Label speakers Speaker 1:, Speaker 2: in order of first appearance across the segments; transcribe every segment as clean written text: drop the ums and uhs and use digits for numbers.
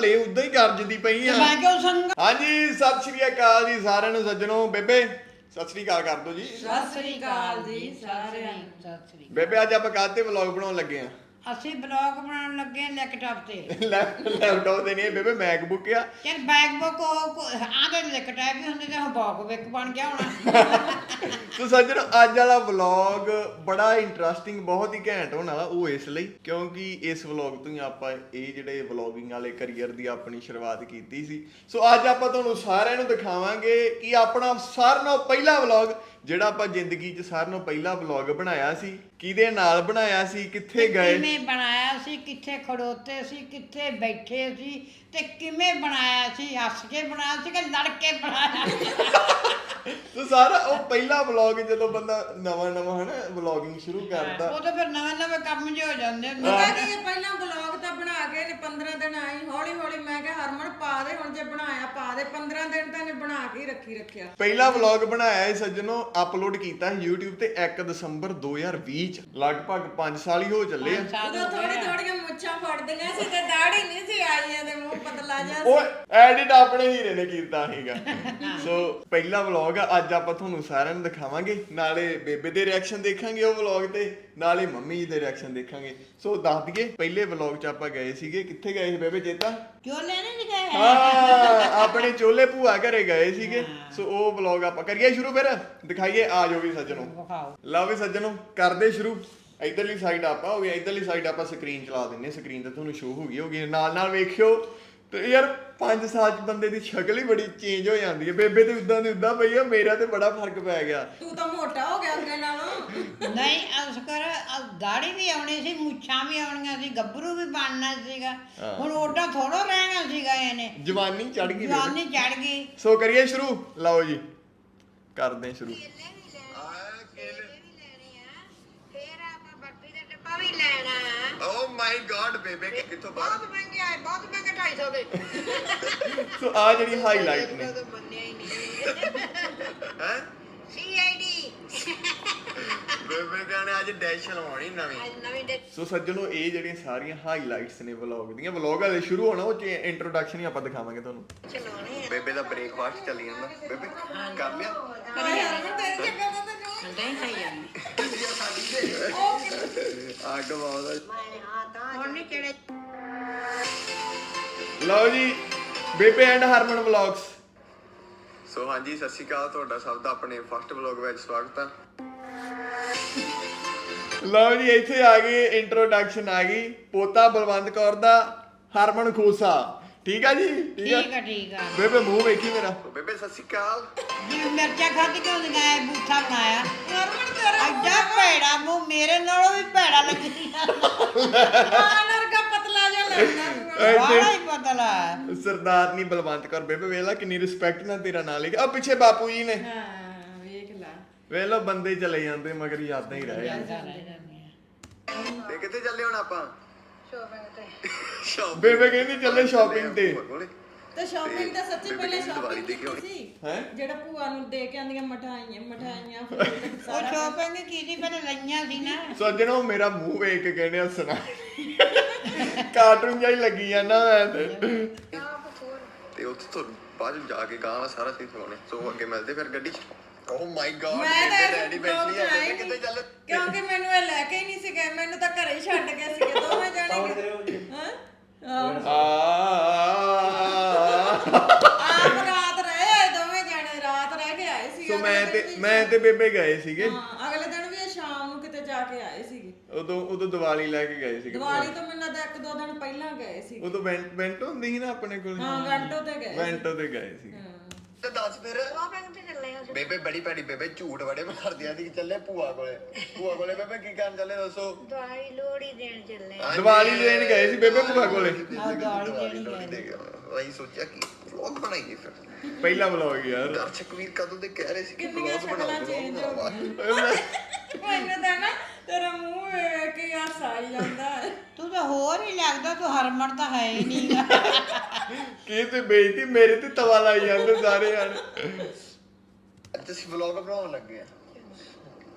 Speaker 1: ਹਲੇ ਉਦਾਂ ਹੀ ਗਰਜਦੀ ਪਈ ਆ। ਹਾਂਜੀ ਸਤਿ ਸ਼੍ਰੀ ਅਕਾਲ ਜੀ ਸਾਰਿਆਂ ਨੂੰ ਸੱਜਣੋ। ਬੇਬੇ ਸਤਿ ਸ਼੍ਰੀ ਅਕਾਲ ਕਰ ਦੋ ਜੀ।
Speaker 2: ਸਤਿ ਸ੍ਰੀ ਅਕਾਲ ਜੀ ਸਾਰਿਆਂ ਨੂੰ। ਸਤਿ ਸ੍ਰੀ ਅਕਾਲ।
Speaker 1: ਬੇਬੇ ਅੱਜ ਆਪਾਂ ਕਾਹਤੇ ਵਲੌਗ ਬਣਾਉਣ ਲੱਗੇ ਆ?
Speaker 2: ਅਸੀਂ ਬਲੌਗ ਬਣਾਉਣ ਲੱਗੇ ਲੈਪਟਾਪ ਤੇ।
Speaker 1: ਲੈਪਟਾਪ ਤੇ ਨਹੀਂ ਬੇਬੇ, ਮੈਕਬੁੱਕ ਆ।
Speaker 2: ਯਾਰ ਬੈਕਬੁੱਕ ਆਦੇ ਲੈਪਟਾਪ ਵੀ ਹੁੰਦੇ ਤੇ ਉਹ ਬੈਕਬੁੱਕ ਬਣ ਗਿਆ ਹੋਣਾ।
Speaker 1: ਸੋ ਸੱਜਣੋ ਅੱਜ ਵਾਲਾ ਵਲੌਗ ਬੜਾ ਇੰਟਰਸਟਿੰਗ, ਬਹੁਤ ਹੀ ਘੈਂਟ ਹੋਣ ਵਾਲਾ। ਉਹ ਇਸ ਲਈ ਕਿਉਂਕਿ ਇਸ ਵਲੌਗ ਤੋਂ ਹੀ ਆਪਾਂ ਇਹ ਜਿਹੜੇ ਵਲੌਗਿੰਗ ਵਾਲੇ ਕਰੀਅਰ ਦੀ ਆਪਣੀ ਸ਼ੁਰੂਆਤ ਕੀਤੀ ਸੀ। ਸੋ ਅੱਜ ਆਪਾਂ ਤੁਹਾਨੂੰ ਸਾਰਿਆਂ ਨੂੰ ਦਿਖਾਵਾਂਗੇ ਕਿ ਆਪਣਾ ਸਾਰਿਆਂ ਨਾਲੋਂ ਪਹਿਲਾ ਵਲੌਗ ਜਿਹੜਾ ਆਪਾਂ ਜ਼ਿੰਦਗੀ 'ਚ ਸਾਰਿਆਂ ਨਾਲੋਂ ਪਹਿਲਾ ਵਲੌਗ ਬਣਾਇਆ ਸੀ, ਕਿਹਦੇ ਨਾਲ ਬਣਾਇਆ ਸੀ, ਕਿੱਥੇ ਗਏ,
Speaker 2: ਕਿਵੇਂ ਬਣਾਇਆ ਸੀ, ਕਿੱਥੇ ਖੜੋਤੇ ਸੀ, ਕਿੱਥੇ ਬੈਠੇ ਸੀ ਤੇ ਕਿਵੇਂ ਬਣਾਇਆ ਸੀ। ਹੱਸ ਕੇ ਬਣਾਇਆ ਸੀ ਕਿ ਲੜ ਕੇ ਬਣਾਇਆ।
Speaker 1: ਸੋ ਸਾਰਾ ਉਹ ਪਹਿਲਾ ਵਲੌਗ ਜਦੋਂ ਬੰਦਾ ਨਵਾਂ ਹਨਾ ਵਲੌਗਿੰਗ ਸ਼ੁਰੂ ਕਰਦਾ,
Speaker 2: ਉਹ ਤਾਂ ਫਿਰ ਨਵੇਂ ਕੰਮ ਜਿਹੇ ਹੋ ਜਾਂਦੇ ਹੁੰਦੇ।
Speaker 3: ਪਹਿਲਾਂ ਵਲੌਗ ਤਾਂ ਬਣਾ ਕੇ 15 ਦਿਨ ਆਈ, ਹੌਲੀ ਹੌਲੀ ਮੈਂ ਕਿਹਾ ਹਰਮਨ ਪਾ ਦੇ, ਹੁਣ ਜੇ ਬਣਾਇਆ ਪਾ ਦੇ। 15 ਦਿਨ ਤਾਂ ਇਹਨੇ ਬਣਾ ਕੇ ਰੱਖਿਆ।
Speaker 1: ਪਹਿਲਾ ਵਲੌਗ ਬਣਾਇਆ ਹੈ ਸੱਜਣੋ, ਅਪਲੋਡ ਕੀਤਾ ਸੀ YouTube ਤੇ 1 ਦਸੰਬਰ 2020 ਚ। ਲਗਭਗ 5 ਸਾਲ ਹੀ ਹੋ ਚੱਲੇ ਆ।
Speaker 3: ਉਦੋਂ ਥੋੜੀਆਂ ਮੁੱਛਾਂ ਫੜਦੀਆਂ ਸੀ ਤੇ ਦਾੜੀ ਨਹੀਂ ਸੀ ਆਈਆਂ ਤੇ ਮੂੰਹ ਪਤਲਾ ਜਿਹਾ ਸੀ।
Speaker 1: ਉਹ ਐਡਿਟ ਆਪਣੇ ਹੀਰੇ ਨੇ ਕੀਤਾ ਸੀਗਾ। ਸੋ ਪਹਿਲਾ ਵਲੌਗ ਆ, ਅੱਜ ਆਪਾਂ ਤੁਹਾਨੂੰ ਸਾਰਿਆਂ ਨੂੰ ਦਿਖਾਵਾਂਗੇ। ਨਾਲੇ ਬੇਬੇ ਦੇ ਰਿਐਕਸ਼ਨ ਦੇਖਾਂਗੇ ਉਹ ਵਲੌਗ ਤੇ, ਨਾਲੇ ਮੰਮੀ ਜੀ ਦੇ ਰਿਐਕਸ਼ਨ ਦੇਖਾਂਗੇ। ਸੋ ਦੱਸ ਦਈਏ ਪਹਿਲੇ ਵਲੌਗ 'ਚ ਆਪਾਂ ਗਏ ਸੀਗੇ, ਕਿੱਥੇ ਗਏ ਸੀ ਬੇਬੇ ਚੇਤਾ?
Speaker 2: ਚੋਲੇ ਨਹੀਂ ਗਏ।
Speaker 1: ਹਾਂ ਆਪਣੇ ਚੋਲੇ ਭੂਆ ਘਰੇ ਗਏ ਸੀਗੇ। ਸੋ ਉਹ ਵਲੌਗ ਆਪਾਂ ਕਰੀਏ ਸ਼ੁਰੂ, ਫਿਰ ਦਿਖਾਈਏ। ਆ ਜਾਓ ਵੀ ਸੱਜਣੋ, ਲਓ ਵੀ ਸੱਜਣੋ ਕਰਦੇ ਸ਼ੁਰੂ। ਇਧਰਲੀ ਸਾਈਡ ਆਪਾਂ ਹੋ ਗਈ, ਇਧਰਲੀ ਸਾਈਡ ਆਪਾਂ ਸਕਰੀਨ ਚਲਾ ਦਿੰਨੇ। ਸਕਰੀਨ ਤੇ ਤੁਹਾਨੂੰ ਸ਼ੋ ਹੋ ਗਈ ਨਾਲ ਵੇਖਿਓ। ਤੇ ਯਾਰ 5 ਸਾਲ 'ਚ ਬੰਦੇ ਦੀ ਸ਼ਕਲ ਹੀ ਬੜੀ ਚੇਂਜ ਹੋ ਜਾਂਦੀ ਹੈ। ਬੇਬੇ ਤੇ ਉਦਾਂ ਦੀ ਉਦਾਂ ਪਈ ਆ, ਮੇਰਾ ਤੇ ਬੜਾ ਫਰਕ ਪੈ ਗਿਆ।
Speaker 3: ਤੂੰ ਤਾਂ ਮੋਟਾ ਹੋ ਗਿਆ ਅੱਗੇ ਨਾਲੋਂ।
Speaker 2: ਨਹੀਂ ਅਸਕਰ ਦਾੜੀ ਵੀ ਆਉਣੀ ਸੀ, ਮੁੱਛਾਂ ਵੀ ਆਉਣੀਆਂ ਸੀ, ਗੱਭਰੂ ਵੀ ਬਣਨਾ ਸੀਗਾ। ਹੁਣ ਓਡਾ ਥੋੜੋ ਰਹਿਣਾ ਸੀਗਾ ਇਹਨੇ।
Speaker 1: ਜਵਾਨੀ ਚੜ ਗਈ,
Speaker 2: ਜਵਾਨੀ ਚੜ ਗਈ।
Speaker 1: ਸੋ ਕਰੀਏ ਸ਼ੁਰੂ। ਲਓ ਜੀ ਕਰਦੇ ਸ਼ੁਰੂ। ਓ ਮਾਈ ਗॉड ਬੇਬੇ ਕਿੱਥੋਂ ਬਾਹਰ
Speaker 3: ਬਹੁਤ ਮਹਿੰਗੇ ਆਏ, ਬਹੁਤ ਮਹਿੰਗੇ 250 ਦੇ।
Speaker 1: ਸੋ ਆ ਜਿਹੜੀ ਹਾਈਲਾਈਟ ਨੇ
Speaker 3: ਮੰਨਿਆ ਹੀ ਨਹੀਂ
Speaker 1: ਹੈ
Speaker 3: ਸੀਆਈਡੀ।
Speaker 1: ਬੇਬੇ ਕਹਿੰਦੇ ਅੱਜ ਡੈਸ਼ ਲਵਾਉਣੀ ਨਵੀਂ। ਸੋ ਸੱਜਣੋ ਇਹ ਜਿਹੜੀਆਂ ਸਾਰੀਆਂ ਹਾਈਲਾਈਟਸ ਨੇ ਵਲੌਗ ਦੀਆਂ, ਵਲੌਗ ਹਲੇ ਸ਼ੁਰੂ ਹੋਣਾ, ਉਹ ਚ ਇੰਟਰੋਡਕਸ਼ਨ ਹੀ ਆਪਾਂ ਦਿਖਾਵਾਂਗੇ ਤੁਹਾਨੂੰ। ਬੇਬੇ ਦਾ ਬ੍ਰੇਕਫਾਸਟ ਚੱਲੀ ਜਾਂਦਾ। ਬੇਬੇ ਕਰ ਲਿਆ?
Speaker 3: ਹਰਮਨ ਤੇਰੀ ਜਗ੍ਹਾ ਤਾਂ ਤੈਨੂੰ
Speaker 2: ਨਹੀਂ ਖਾਈ ਜਾਂਦੀ।
Speaker 1: ਅੱਗ ਬਹੁਤ।
Speaker 2: ਹੁਣ ਨਹੀਂ ਕਿਹੜੇ
Speaker 1: ਲਓ ਜੀ ਬੇਬੇ ਐਂਡ ਹਰਮਨ ਵਲੌਗਸ। ਸੋ ਹਾਂਜੀ ਸਤਿ ਸ਼੍ਰੀ ਅਕਾਲ, ਤੁਹਾਡਾ ਸਭ ਦਾ ਆਪਣੇ ਫਸਟ ਵਲੌਗ ਵਿੱਚ ਸਵਾਗਤ ਆ। ਲਓ ਜੀ ਇੱਥੇ ਆ ਗਈ ਇੰਟਰੋਡਕਸ਼ਨ, ਆ ਗਈ ਪੋਤਾ ਬਲਵੰਤ ਕੌਰ ਦਾ ਹਰਮਨ ਖੋਸਾ। ਠੀਕ ਆ ਜੀ?
Speaker 2: ਠੀਕ ਆ।
Speaker 1: ਬੇਬੇ ਮੂੰਹ ਵੇਖੀ ਮੇਰਾ। ਬੇਬੇ ਸਤਿ ਸ਼੍ਰੀ ਅਕਾਲ
Speaker 2: ਜੀ। ਮਿਰਚਾਂ ਖਾਧੀ ਕਿਉਂ ਲਗਾਇਆ, ਬੂਥਾ ਬਣਾਇਆ।
Speaker 3: ਹਰਮਨ ਤੇਰਾ
Speaker 2: ਅੱਡਾ ਭੈੜਾ ਮੂੰਹ, ਮੇਰੇ ਨਾਲੋਂ ਵੀ ਭੈੜਾ ਲੱਗਦੀ ਆ।
Speaker 3: ਵਰਗਾ ਪਤਲਾ ਜਿਹਾ ਲੱਗਦਾ।
Speaker 2: ਬੜਾ ਹੀ ਪਤਲਾ।
Speaker 1: ਸਰਦਾਰਨੀ ਬਲਵੰਤ ਕੌਰ। ਬੇਬੇ ਵੇਖ ਲਾ ਕਿੰਨੀ ਰਿਸਪੈਕਟ ਨਾਲ ਤੇਰਾ ਨਾਂ ਲਿਖਿਆ। ਆ ਪਿੱਛੇ ਬਾਪੂ ਜੀ ਨੇ।
Speaker 3: ਹਾਂ ਵੇਖ ਲੈ,
Speaker 1: ਵੇਖ ਲੋ ਬੰਦੇ ਚਲੇ ਜਾਂਦੇ ਮਗਰ ਯਾਦਾਂ ਹੀ ਰਹਿ ਜਾਂਦੀਆਂ। ਤੇ ਕਿੱਥੇ ਚੱਲੇ ਹੁਣ ਆਪਾਂ?
Speaker 3: ਸ਼ੋਪਿੰਗ ਤੇ।
Speaker 1: ਬੇਬੇ ਕਹਿੰਦੀ ਚੱਲੇ ਸ਼ਾਪਿੰਗ ਤੇ।
Speaker 3: ਤੇ ਸ਼ਾਪਿੰਗ ਤਾਂ ਸੱਚੀ ਪਹਿਲੇ ਸ਼ਾਪਿੰਗ ਕੀਤੀ ਸੀ।
Speaker 1: ਹੈ
Speaker 3: ਜਿਹੜਾ ਭੂਆ ਨੂੰ ਦੇ ਕੇ ਆਂਦੀਆਂ ਮਠਾਈਆਂ
Speaker 2: ਉਹ ਸ਼ੋਪਿੰਗ ਕੀਤੀ ਪਹਿਲੇ ਲਈਆਂ ਸੀ ਨਾ।
Speaker 1: ਸੱਜਣੋ ਮੇਰਾ ਮੂੰਹ ਵੇਖ ਕੇ ਕਹਿੰਦੇ ਹੱਸਣਾ ਕਾਰਟੂਨ ਜਿਹਾ ਹੀ ਲੱਗੀ ਜਾਂਦਾ ਮੈਂ ਤੇ ਉੱਥੇ ਤੁਹਾਨੂੰ ਬਾਅਦ ਵਿੱਚ ਜਾ ਕੇ ਗਾਣਾ ਸਾਰਾ ਸੀਨ ਸੁਣਾਉਣੇ। ਸੋ ਅੱਗੇ ਮਿਲਦੇ ਫਿਰ ਗੱਡੀ 'ਚ। ਓ ਮਾਈ ਗॉड
Speaker 3: ਮੈਂ ਤਾਂ
Speaker 1: ਰੈਡੀ ਬੈਠੀ ਆ। ਬੇਬੇ ਕਿੱਥੇ ਚੱਲੇ?
Speaker 3: ਕਿਉਂਕਿ ਮੈਨੂੰ ਇਹ ਲੈ ਕੇ ਹੀ ਨਹੀਂ ਸੀ ਗਏ, ਮੈਨੂੰ ਤਾਂ ਘਰੇ ਹੀ ਛੱਡ ਗਏ ਸੀਗੇ ਦੋਵੇਂ ਜਾਣੇ। ਆਪ ਰਾਤ ਰਹੇ ਦੋਵੇਂ ਜਾਣੇ, ਰਾਤ ਰਹਿ ਕੇ ਆਏ ਸੀ।
Speaker 1: ਸੋ ਮੈਂ ਤੇ ਬੇਬੇ ਗਏ ਸੀਗੇ।
Speaker 3: ਹਾਂ ਅਗਲੇ ਦਿਨ ਵੀ ਇਹ ਸ਼ਾਮ ਨੂੰ ਕਿਤੇ ਜਾ ਕੇ ਆਏ ਸੀਗੇ।
Speaker 1: ਉਦੋਂ ਦੀਵਾਲੀ ਲੈ ਕੇ ਗਏ ਸੀਗੇ।
Speaker 3: ਦੀਵਾਲੀ ਤੋਂ ਮੈਨੂੰ ਲੱਗਦਾ 1-2 ਦਿਨ ਪਹਿਲਾਂ ਗਏ ਸੀ।
Speaker 1: ਉਦੋਂ ਵੈਂਟੋ ਹੁੰਦੀ ਸੀ ਨਾ ਆਪਣੇ ਕੋਲ।
Speaker 3: ਹਾਂ ਵੈਂਟੋ ਤੇ ਗਏ।
Speaker 1: ਵੈਂਟੋ ਤੇ ਗਏ ਸੀ। ਤੇ ਦੱਸ ਫਿਰ
Speaker 3: ਸ਼ਾਪਿੰਗ ਤੇ ਚੱਲੇ ਹਾਂ।
Speaker 1: ਬੇਬੇ ਬੜੀ ਭੈੜੀ ਬੇਬੇ ਝੂਠ ਬੜੇ ਮਾਰਦੀਆਂ ਸੀ। ਚੱਲੇ ਭੂਆ ਕੋਲੇ ਬੇਬੇ ਕੀ ਕਰਨ ਚੱਲੇ ਦੱਸੋ?
Speaker 3: ਦਵਾਈ ਲੋੜੀ ਦੇਣ ਚੱਲੇ।
Speaker 1: ਦੀਵਾਲੀ ਦੇਣ ਗਏ ਸੀ ਬੇਬੇ ਭੂਆ ਕੋਲੇ। ਅਸੀਂ ਸੋਚਿਆ ਕਿ ਵਲੌਗ ਬਣਾਈਏ ਫਿਰ। ਪਹਿਲਾ ਵਲੌਗ ਯਾਰ। ਦਰਸ਼ਕ ਵੀਰ ਕਦੋਂ ਦੇ ਕਹਿ ਰਹੇ ਸੀ ਕਿ ਵਲੌਗ ਬਣਾਓ।
Speaker 3: ਮੈਨੂੰ ਤਾਂ ਨਾ ਤੇਰਾ ਮੂੰਹ ਵੇਖ ਕੇ ਹਾਸਾ ਆਈ ਜਾਂਦਾ।
Speaker 2: ਤੂੰ ਤਾਂ ਹੋਰ ਹੀ ਲੱਗਦਾ, ਤੂੰ ਹਰਮਨ ਤਾਂ ਹੈ ਹੀ ਨਹੀਂ।
Speaker 1: ਕੀ ਤੇ ਬੇਇੱਜ਼ਤੀ ਮੇਰੇ ਤੇ ਤਵਾ ਲਾਈ ਜਾਂਦੇ ਸਾਰੇ ਯਾਰ। ਅੱਜ ਅਸੀਂ ਵਲੌਗ ਬਣਾਉਣ ਲੱਗੇ ਆ।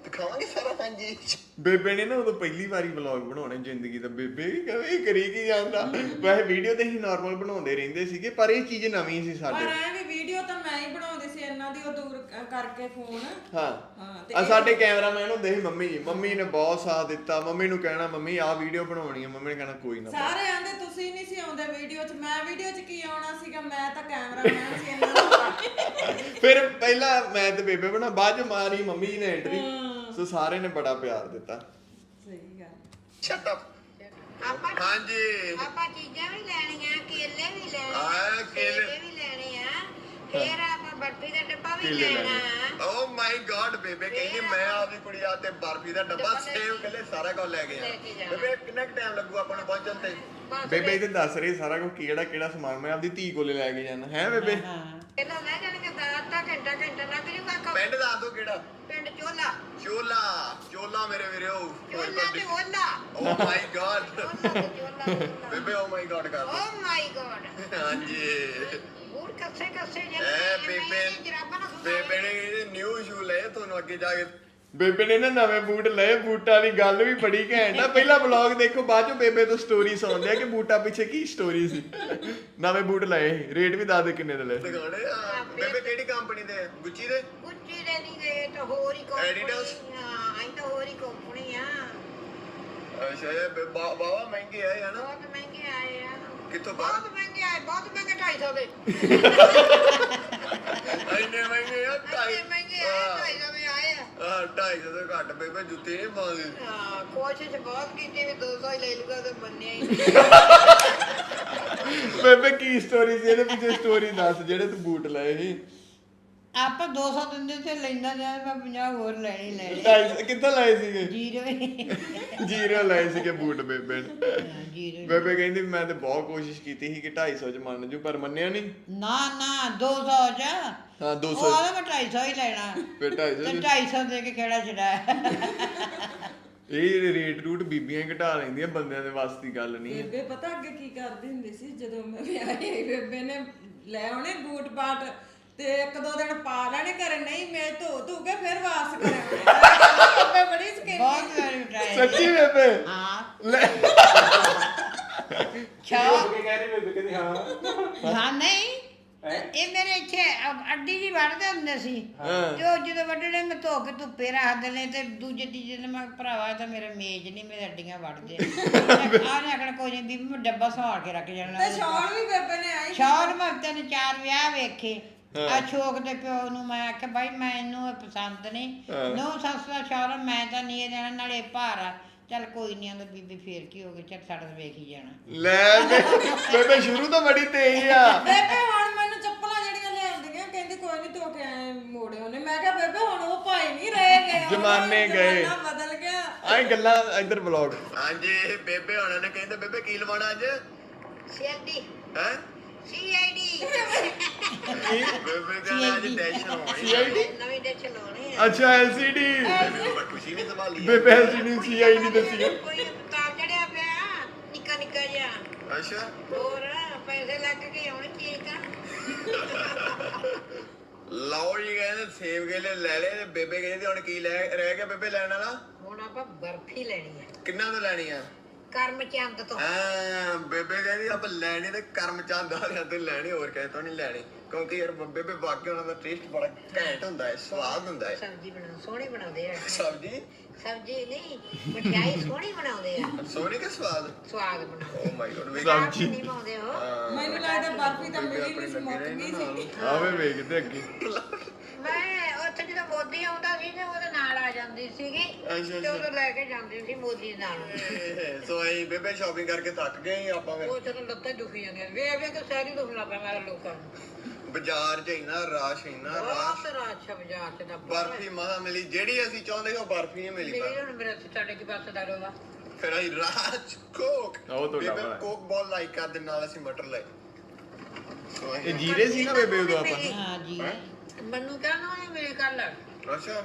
Speaker 4: ਦਿਖਾਵਾਂਗੇ ਸਾਰਾ। ਹਾਂਜੀ
Speaker 1: ਬੇਬੇ ਨੇ ਨਾ ਉਦੋਂ ਪਹਿਲੀ ਵਾਰੀ ਵਲੌਗ ਬਣਾਉਣੇ ਜ਼ਿੰਦਗੀ ਦਾ। ਬੇਬੇ ਵੀ ਕਹੇ ਕਰੀ ਕੀ ਜਾਂਦਾ। ਵੈਸੇ ਵੀਡੀਓ ਤੇ ਹੀ ਨਾਰਮਲ ਬਣਾਉਂਦੇ ਰਹਿੰਦੇ ਸੀਗੇ, ਪਰ ਇਹ ਚੀਜ਼ ਨਵੀਂ ਸੀ
Speaker 3: ਪਰ
Speaker 1: ਸਾਡੇ।
Speaker 3: ਐ ਵੀ ਵੀਡੀਓ ਤਾਂ ਮੈਂ ਹੀ ਬਣਾਉਂਦੀ ਸੀ ਇਹਨਾਂ ਦੀ, ਉਹ ਦੂਰ ਕਰਕੇ ਫੋਨ।
Speaker 1: ਹਾਂ
Speaker 3: ਤੇ
Speaker 1: ਆ ਸਾਡੇ ਕੈਮਰਾਮੈਨ ਹੁੰਦੇ ਸੀ ਮੰਮੀ ਜੀ। ਮੰਮੀ ਨੇ ਬਹੁਤ ਸਾਥ ਦਿੱਤਾ। ਮੰਮੀ ਨੂੰ ਕਹਿਣਾ ਮੰਮੀ ਆਹ ਵੀਡੀਓ ਬਣਾਉਣੀ ਆ, ਮੰਮੀ ਨੇ ਕਹਿਣਾ ਕੋਈ ਨਾ।
Speaker 3: ਸਾਰੇ ਆਂਦੇ ਤੁਸੀਂ ਨਹੀਂ ਸੀ ਆਉਂਦੇ ਵੀਡੀਓ 'ਚ, ਮੈਂ ਵੀਡੀਓ 'ਚ ਕੀ ਆਉਣਾ ਸੀਗਾ, ਮੈਂ ਤਾਂ ਕੈਮਰਾਮੈਨ ਸੀ ਇਹਨਾਂ ਦਾ।
Speaker 1: ਫਿਰ ਪਹਿਲਾਂ ਮੈਂ ਤੇ ਬੇਬੇ ਬਣਾ, ਬਾਅਦ ਚ ਮਾਰੀ ਮੰਮੀ ਜੀ ਨੇ ਐਂਟਰੀ। ਸੋ ਸਾਰੇ ਨੇ ਬੜਾ ਪਿਆਰ ਦਿੱਤਾ।
Speaker 3: ਸਹੀ ਗੱਲ।
Speaker 4: Shut up. ਹਾਂਜੀ
Speaker 2: ਆਪਾਂ ਚੀਜ਼ਾਂ ਵੀ ਲੈਣੀਆਂ, ਕੇਲੇ ਵੀ ਲੈਣੇ
Speaker 4: ਆ ਕੇਲੇ
Speaker 2: ਵੀ ਲੈਣੇ ਆ, ਫੇਰ ਆਪਾਂ ਬਰਫੀ ਦਾ ਡੱਬਾ ਵੀ
Speaker 1: ਕੇਲੇ
Speaker 2: ਲੈਣਾ।
Speaker 4: ਓ ਮਾਈ ਗॉड ਬੇਬੇ ਕਹਿੰਦੀ ਮੈਂ ਆਪਦੀ ਕੁੜੀ ਆ ਤੇ ਬਰਫੀ ਦਾ ਡੱਬਾ ਸੇਵ ਕੱਲੇ ਸਾਰਾ ਕੁਝ ਲੈ ਕੇ ਆ। ਬੇਬੇ ਕਿੰਨਾ ਟਾਈਮ ਲੱਗੂ ਆਪਾਂ ਨੂੰ ਪਹੁੰਚਣ ਤੇ?
Speaker 1: ਬੇਬੇ ਇਹ ਦੱਸ ਰਹੀ ਸਾਰਾ ਕੁਝ ਕਿਹੜਾ ਕਿਹੜਾ ਸਮਾਨ ਮੈਂ ਆਪਦੀ ਧੀ ਕੋਲੇ ਲੈ ਕੇ ਜਾਣਾ ਹੈ ਬੇਬੇ।
Speaker 2: ਇਹਨਾਂ ਲੈ ਜਾਣਗੇ ਦਾ ਘੰਟਾ ਲੱਗ ਜੂਗਾ।
Speaker 4: ਪਿੰਡ ਦੱਸ ਦੋ ਕਿਹੜਾ?
Speaker 2: ਪਿੰਡ ਚੋਲਾ।
Speaker 4: ਚੋਲਾ ਮੇਰੇ ਵੀਰੋ।
Speaker 2: ਚੋਲਾ ਤੇ ਓਲਾ।
Speaker 4: ਓ ਮਾਈ ਗॉड
Speaker 2: ਚੋਲਾ।
Speaker 4: ਬੇਬੇ ਓ ਮਾਈ ਗॉड ਕਰ
Speaker 2: ਓ ਮਾਈ ਗॉड।
Speaker 4: ਹਾਂਜੀ
Speaker 2: ਬੂਟ ਕੱਸੇ
Speaker 4: ਐ ਬੇਬੇ ਨੇ ਨਿਊ ਸ਼ੂ ਲਏ ਤੁਹਾਨੂੰ ਅੱਗੇ ਜਾ ਕੇ।
Speaker 1: ਬੇਬੇ ਨੇ ਨਾ ਨਵੇਂ ਬੂਟ ਲਏ। ਬੂਟਾਂ ਦੀ ਗੱਲ ਵੀ ਬੜੀ ਘੈਂਟ ਆ। ਪਹਿਲਾ ਵਲੌਗ ਦੇਖੋ, ਬਾਅਦ ਚੋਂ ਬੇਬੇ ਤੋਂ ਸਟੋਰੀ ਸੁਣਦੇ ਆ ਕਿ ਬੂਟਾਂ ਪਿੱਛੇ ਕੀ ਸਟੋਰੀ ਸੀ। ਨਵੇਂ ਬੂਟ ਲਏ, ਰੇਟ ਵੀ ਦੱਸ ਦੇ ਕਿੰਨੇ ਦੇ ਲਏ।
Speaker 4: ਦਿਖਾਉਣੇ ਆ। ਬੇਬੇ ਕਿਹੜੀ ਕੰਪਨੀ ਦੇ? ਗੁੱਚੀ ਦੇ?
Speaker 2: ਗੁੱਚੀ ਦੇ ਨਹੀਂ ਗਏ ਤਾਂ ਹੋਰ ਹੀ ਕੰਪਨੀ।
Speaker 4: Adidas?
Speaker 2: ਹਾਂ ਇਹ ਤਾਂ ਹੋਰ ਹੀ ਕੰਪਨੀ ਆ।
Speaker 4: ਅੱਛਾ ਇਹ ਬਾਵਾ ਮਹਿੰਗੇ ਆ ਹਨਾ?
Speaker 2: ਬਹੁਤ ਮਹਿੰਗੇ ਆਏ ਆ।
Speaker 4: ਕਿੱਥੋਂ ਬਾਹਰ?
Speaker 2: ਬਹੁਤ ਮਹਿੰਗੇ ਆਏ, ਬਹੁਤ ਮਹਿੰਗੇ 250 ਦੇ।
Speaker 4: ਇੰਨੇ ਮਹਿੰਗੇ ਆ?
Speaker 2: ਇੰਨੇ ਮਹਿੰਗੇ ਆਏ, 250 ਦੇ ਆਏ ਆ।
Speaker 4: 250 ਤੋਂ ਘੱਟ ਬੇਬੇ ਜੁੱਤੀ ਨਹੀਂ ਪਾਉਂਦੀ।
Speaker 2: ਹਾਂ ਕੋਸ਼ਿਸ਼ ਬਹੁਤ ਕੀਤੀ ਵੀ 200 ਹੀ ਲੈ ਲੂਗਾ ਤੇ ਬੰਨਿਆ ਹੀ ਨਹੀਂ।
Speaker 1: ਬੇਬੇ ਕੀ ਸਟੋਰੀ ਸੀ ਇਹਦੇ ਪਿੱਛੇ? ਸਟੋਰੀ ਦੱਸ ਜਿਹੜੇ ਤੂੰ ਬੂਟ ਲਏ ਸੀ।
Speaker 2: ਆਪਾਂ 200 ਦਿੰਦੇ ਤੇ ਲੈਂਦਾ ਜਾਂ ਮੈਂ 50 ਹੋਰ ਲੈਣੇ
Speaker 1: 250 ਕਿੱਥੋਂ ਲਏ ਸੀਗੇ?
Speaker 2: ਜੀਰੋ
Speaker 1: ਲਏ ਸੀਗੇ ਬੂਟ ਬੇਬੇ ਨੇ।
Speaker 2: ਜੀਰੋ।
Speaker 1: ਬੇਬੇ ਕਹਿੰਦੀ ਮੈਂ ਤੇ ਬਹੁਤ ਕੋਸ਼ਿਸ਼ ਕੀਤੀ ਸੀ ਕਿ 250 ਚ ਮੰਨ ਜੂ, ਪਰ ਮੰਨਿਆ ਨਹੀਂ।
Speaker 2: ਨਾ 200 ਚ।
Speaker 1: ਹਾਂ 200
Speaker 2: ਉਹ ਆਦਾ ਮੈਂ 250 ਹੀ ਲੈਣਾ।
Speaker 1: ਫਿਰ 250
Speaker 2: ਤੇ 250 ਦੇ ਕੇ ਕਿਹੜਾ ਛਡਾਇਆ।
Speaker 1: ਇਹ ਰੇਟ ਰੂਟ ਬੀਬੀਆਂ ਹੀ ਘਟਾ ਲੈਂਦੀਆਂ, ਬੰਦਿਆਂ ਦੇ ਵੱਸ ਦੀ ਗੱਲ ਨਹੀਂ ਹੈ।
Speaker 3: ਬੇਬੇ ਪਤਾ ਅੱਗੇ ਕੀ ਕਰਦੀ ਹੁੰਦੀ ਸੀ ਜਦੋਂ ਮੈਂ ਵਿਆਹੀ? ਬੇਬੇ ਨੇ ਲੈ ਆਉਣੇ ਬੂਟ ਬਾਟ ਤੇ ਇੱਕ ਦੋ ਦਿਨ ਪਾ ਲੈਣੇ ਘਰੇ, ਨਹੀਂ ਮੈਂ ਧੋ ਕੇ ਫਿਰ ਵਾਪਸ ਕਰਾਉਣੇ। ਬੇਬੇ ਬੜੀ ਸਕੀਨੀ।
Speaker 2: ਬਹੁਤ ਵਾਰੀ ਉਠਾਇਆ।
Speaker 1: ਸੱਚੀ ਬੇਬੇ?
Speaker 2: ਹਾਂ
Speaker 1: ਲੈ
Speaker 2: ਹਾਂ ਨਹੀਂ ਇਹ ਮੇਰੇ ਇੱਥੇ ਅੱਡੀ ਜੀ ਵੜਦੇ ਹੁੰਦੇ ਸੀ ਤੇ ਉਹ ਜਦੋਂ ਵੱਢਣੇ ਮੈਂ ਧੋ ਕੇ ਧੁੱਪੇ ਰੱਖ ਦੇਣੇ ਤੇ ਦੂਜੇ ਤੀਜੇ ਦਿਨ ਮੈਂ ਭਰਾਵਾ ਤਾਂ ਮੇਰਾ ਮੇਜ਼ ਨਹੀਂ, ਮੇਰੇ ਅੱਡੀਆਂ ਵੜਦੇ ਆਨੇ ਆਖਣ ਕੋਈ ਨਹੀਂ ਬੀਬੀ ਮੈਂ ਡੱਬਾ ਸਵਾਰ ਕੇ ਰੱਖ ਜਾਣਾ।
Speaker 3: ਤੇ ਸ਼ਾਲ ਵੀ ਬੇਬੇ ਨੇ ਆਈ।
Speaker 2: ਸ਼ਾਲ ਮੈਂ ਤਿੰਨ 4 ਵਿਆਹ ਵੇਖੇ। ਆ ਸ਼ੋਕ ਦੇ ਪਿਓ ਨੂੰ ਮੈਂ ਆਖਿਆ ਬਾਈ ਮੈਨੂੰ ਇਹ ਪਸੰਦ ਨਹੀਂ। ਨੋ ਸੱਸ ਦਾ ਸ਼ਾਲ ਮੈਂ ਤਾਂ ਨਹੀਂ ਇਹ ਦੇਣਾ, ਨਾਲੇ ਭਾਰ ਆ। ਚੱਲ ਕੋਈ ਨਹੀਂ ਆਂਦਾ ਬੀਬੀ ਫੇਰ ਕੀ ਹੋ ਗਿਆ, ਚੱਲ ਸਾਡਾ ਤਾਂ ਵੇਖ ਹੀ ਜਾਣਾ।
Speaker 1: ਲੈ ਬੇਬੇ ਸ਼ੁਰੂ ਤੋਂ ਬੜੀ ਤੇਜ਼ ਆ।
Speaker 3: ਬੇਬੇ ਹੁਣ ਮੈਨੂੰ ਚੱਪਲਾਂ ਜਿਹੜੀਆਂ ਲਿਆਉਂਦੀਆਂ ਕਹਿੰਦੀ ਕੋਈ ਨਹੀਂ ਧੋ ਕੇ ਆਏ ਮੋੜੇ ਉਹਨੇ। ਮੈਂ ਕਿਹਾ ਬੇਬੇ ਹੁਣ ਉਹ ਭਾਈ ਨਹੀਂ ਰਹੇ ਗਏ,
Speaker 1: ਜ਼ਮਾਨੇ ਗਏ।
Speaker 3: ਜ਼ਮਾਨਾ ਬਦਲ ਗਿਆ।
Speaker 1: ਆਏ ਗੱਲਾਂ ਇੱਧਰ ਵਲੌਗ।
Speaker 4: ਹਾਂਜੀ ਬੇਬੇ ਹੋਣਾ ਨੇ ਕਹਿੰਦੇ ਬੇਬੇ ਕੀ ਲਵਾਣਾ ਅੱਜ?
Speaker 2: ਸੀਆਈਡੀ
Speaker 4: ਹੈ
Speaker 2: ਸੀਆਈਡੀ
Speaker 4: ਬੇਬੇ ਕਹਿੰਦਾ ਅੱਜ ਟੈਨਸ਼ਨ ਹੋਣੀ।
Speaker 1: CID?
Speaker 2: ਨਵੀਂ ਡਿਸ਼ ਲਾਉਣੀ ਆ।
Speaker 1: ਅੱਛਾ LCD।
Speaker 4: ਬੇਬੇ ਖੁਸ਼ੀ ਨਹੀਂ ਸੰਭਾਲੀ।
Speaker 1: ਬੇਬੇ LCD CID ਦੱਸੀ।
Speaker 2: ਕੋਈ ਉਤਾਰ ਚੜਿਆ ਪਿਆ ਨਿੱਕਾ ਨਿੱਕਾ ਜਿਹਾ।
Speaker 4: ਅੱਛਾ
Speaker 2: ਹੋਰ ਪੈਸੇ ਲੱਗ ਕੇ ਆਉਣ ਚੀਜ਼ ਦਾ।
Speaker 4: ਲਓ ਜੀ ਕਹਿੰਦੇ ਸੇਬ ਕੇਲੇ ਲੈ ਲਏ ਤੇ ਬੇਬੇ ਕਹਿੰਦੀ ਹੁਣ ਕੀ ਰਹਿ ਗਿਆ ਬੇਬੇ ਲੈਣ ਵਾਲਾ?
Speaker 2: ਹੁਣ ਆਪਾਂ ਬਰਫੀ ਲੈਣੀ ਆ
Speaker 4: ਕਿੰਨਾ ਤੋਂ ਲੈਣੀ ਆ?
Speaker 2: ਕਰਮਚੰਦ ਤੋਂ।
Speaker 4: ਬੇਬੇ ਕਹਿੰਦੀ ਆਪਾਂ ਲੈਣੀ ਤੇ ਕਰਮਚੰਦ ਵਾਲਿਆਂ ਤੋਂ ਲੈਣੀ, ਹੋਰ ਕਿਸੇ ਤੋਂ ਨਹੀਂ ਲੈਣੀ, ਕਿਉਂਕਿ ਯਾਰ ਬੇਬੇ ਵਾਕਈ ਉਹਨਾਂ ਦਾ ਟੇਸਟ ਬੜਾ ਘੈਂਟ ਹੁੰਦਾ ਹੈ, ਸਵਾਦ ਹੁੰਦਾ ਹੈ।
Speaker 2: ਸਬਜ਼ੀ ਸੋਹਣੀ ਬਣਾਉਂਦੇ ਆ।
Speaker 4: ਸਬਜ਼ੀ
Speaker 2: ਨਹੀਂ ਮਠਿਆਈ ਸੋਹਣੀ ਬਣਾਉਂਦੇ ਆ।
Speaker 4: ਸੋਹਣੀ ਕਿ ਸਵਾਦ
Speaker 2: ਬਣਾਉਂਦੇ।
Speaker 4: ਓ ਮਾਈ ਗॉड
Speaker 1: ਸਬਜ਼ੀ
Speaker 2: ਨਹੀਂ ਪਾਉਂਦੇ ਉਹ।
Speaker 3: ਮੈਨੂੰ ਲੱਗਦਾ ਬਰਫੀ ਤਾਂ ਮਿਲੀ ਨਹੀਂ ਸੀ, ਮੁੱਕ ਗਈ ਸੀ।
Speaker 1: ਆਵੇ ਵੇਖਦੇ ਅੱਗੇ।
Speaker 2: ਮੈਂ ਉੱਥੇ ਜਦੋਂ ਮੋਦੀ ਆਉਂਦਾ ਸੀ ਤੇ ਉਹਦੇ ਨਾਲ ਆ ਜਾਂਦੀ ਸੀਗੀ ਤੇ ਉਦੋਂ ਲੈ ਕੇ ਜਾਂਦੀ ਸੀ ਮੋਦੀ ਨਾਲ।
Speaker 4: ਸੋ ਅਸੀਂ ਬੇਬੇ ਸ਼ਾਪਿੰਗ ਕਰਕੇ ਥੱਕ ਗਏ ਆਪਾਂ ਫਿਰ
Speaker 2: ਉਹ ਜਦੋਂ ਲੱਤਾਂ ਦੁਖੀ ਜਾਂਦੀਆਂ ਵੇ ਵੇ ਕਿ ਸਾਰੀ ਦੁਖਣਾ ਪਿਆ ਮੇਰੇ ਲੋਕਾਂ ਨੂੰ।
Speaker 4: ਬਾਜ਼ਾਰ 'ਚ ਇੰਨਾ ਰਸ਼
Speaker 2: ਬਹੁਤ ਰਾਤ ਬਾਜ਼ਾਰ ਚ ਦਾ
Speaker 4: ਬਰਫੀ ਮਹਾ ਮਿਲੀ, ਜਿਹੜੀ ਅਸੀਂ ਚਾਹੁੰਦੇ ਸੀ ਉਹ ਬਰਫੀ ਨਹੀਂ ਮਿਲੀ।
Speaker 2: ਮੇਰੇ ਹੁਣ ਮੇਰੇ ਸਾਡੇ ਕੀ ਪਾਸੇ ਦਾ ਰੋਵਾ।
Speaker 4: ਫਿਰ ਅਸੀਂ ਰਾਜ ਕੋਕ
Speaker 1: ਉਹ ਤੁਹਾਡਾ
Speaker 4: ਬੇਬੇ
Speaker 1: ਭਰਾ।
Speaker 4: ਕੋਕ ਬਹੁਤ ਲਾਈਕ ਕਰਦੇ, ਨਾਲ ਅਸੀਂ ਮਟਰ ਲਏ। ਸੋ
Speaker 1: ਇਹ ਜੀਰੇ ਸੀ ਨਾ ਬੇਬੇ ਉਦੋਂ ਆਪਾਂ।
Speaker 2: ਹਾਂ ਜੀ ਮੈਨੂੰ ਕਹਿਣਾ ਉਹਨੇ ਮੇਰੇ ਕੱਲ
Speaker 4: ਅੱਛਾ